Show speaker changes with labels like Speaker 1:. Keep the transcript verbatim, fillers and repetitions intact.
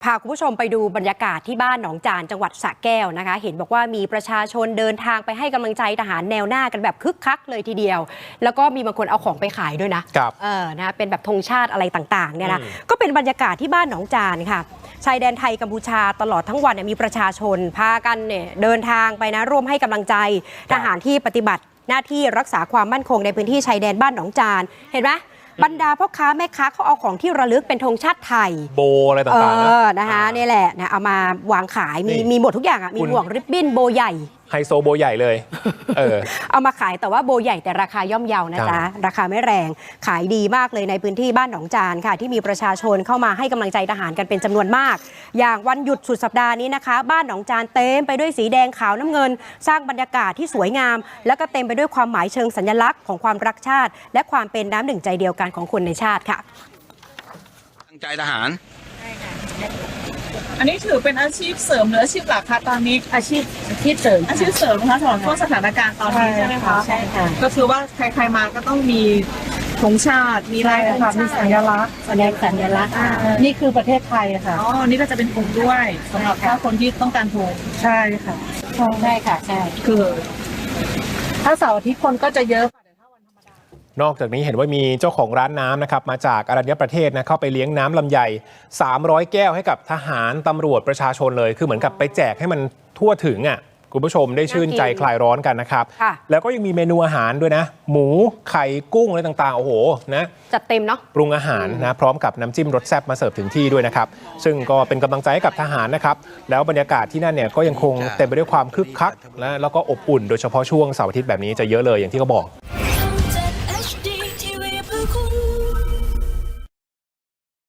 Speaker 1: พาคุณผู้ชมไปดูบรรยากาศที่บ้านหนองจานจังหวัดสระแก้วนะคะเห็นบอกว่ามีประชาชนเดินทางไปให้กำลังใจทหารแนวหน้ากันแบบคึกคักเลยทีเดียวแล้วก็มีบางคนเอาของไปขายด้วยนะครับเออนะเป็นแบบธงชาติอะไรต่างๆเนี่ยนะก็เป็นบรรยากาศที่บ้านหนองจานค่ะชายแดนไทยกัมพูชาตลอดทั้งวันเนี่ยมีประชาชนพากันเนี่ยเดินทางไปนะร่วมให้กำลังใจทหารที่ปฏิบัติหน้าที่รักษาความมั่นคงในพื้นที่ชายแดนบ้านหนองจานเห็นไหมบรรดาพ่อค้าแม่ค้าเขาเอาของที่ระลึกเป็นธงชาติไทย
Speaker 2: โบอะไรต่างๆ
Speaker 1: นะนะคะนี่แหละนะเอามาวางขายมีมีหมดทุกอย่างอ่ะมีหมวกริบบิ้นโบใหญ่
Speaker 2: ไฮโซโบใหญ่เลยเออ
Speaker 1: เอามาขายแต่ว่าโบใหญ่แต่ราคาย่อมเยานะจ๊ะราคาไม่แรงขายดีมากเลยในพื้นที่บ้านหนองจานค่ะที่มีประชาชนเข้ามาให้กำลังใจทหารกันเป็นจำนวนมากอย่างวันหยุดสุดสัปดาห์นี้นะคะบ้านหนองจานเต็มไปด้วยสีแดงขาวน้ำเงินสร้างบรรยากาศที่สวยงามแล้วก็เต็มไปด้วยความหมายเชิงสัญลักษณ์ของความรักชาติและความเป็นน้ำหนึ่งใจเดียวกันของคนในชาติค่ะ
Speaker 3: ตั้งใจทหาร
Speaker 4: อันนี้ถือเป็นอาชีพเสริมหรืออาชีพหลักคะตอนนี้
Speaker 5: อาชีพอาชีพเสริม
Speaker 4: อาชีพเสริมนะคะสำหรับช่วงสถานการณ์ตอนนี้ใช่ไหมคะ
Speaker 5: ใช่ค่ะ
Speaker 4: ก็คือว่าใครๆมาก็ต้องมีธงชาติมีลายธงชาติ
Speaker 5: มีสัญลักษณ์แสดงสัญลักษณ์นี่คือประเทศไทยค่ะ
Speaker 4: อ๋อนี่ก็จะเป็นธงด้วยสำหรับถ้าคนที่ต้องการธง
Speaker 5: ใช่ค่ะใช่ค่ะใช่
Speaker 4: คือ
Speaker 5: ถ้าเสาร์อาทิตย์คนก็จะเยอะ
Speaker 2: นอกจากนี้เห็นว่ามีเจ้าของร้านน้ำนะครับมาจากอรัญญประเทศนะเข้าไปเลี้ยงน้ำลำไยสามร้อยแก้วให้กับทหารตำรวจประชาชนเลยคือเหมือนกับไปแจกให้มันทั่วถึงอ่ะคุณผู้ชมได้ชื่นใจคลายร้อนกันนะครับแล้วก็ยังมีเมนูอาหารด้วยนะหมูไข่กุ้งอะไรต่างๆโอ้โหนะ
Speaker 1: จัดเต็มเนาะ
Speaker 2: ปรุงอาหารนะพร้อมกับน้ำจิ้มรสแซ่บมาเสิร์ฟถึงที่ด้วยนะครับซึ่งก็เป็นกำลังใจให้กับทหารนะครับแล้วบรรยากาศที่นั่นเนี่ยก็ยังคงเต็มไปด้วยความคึกคักและแล้วก็อบอุ่นโดยเฉพาะช่วงเสาร์อาทิตย์แบบนี้จะเยอะเลยอย่างที่เขาบอก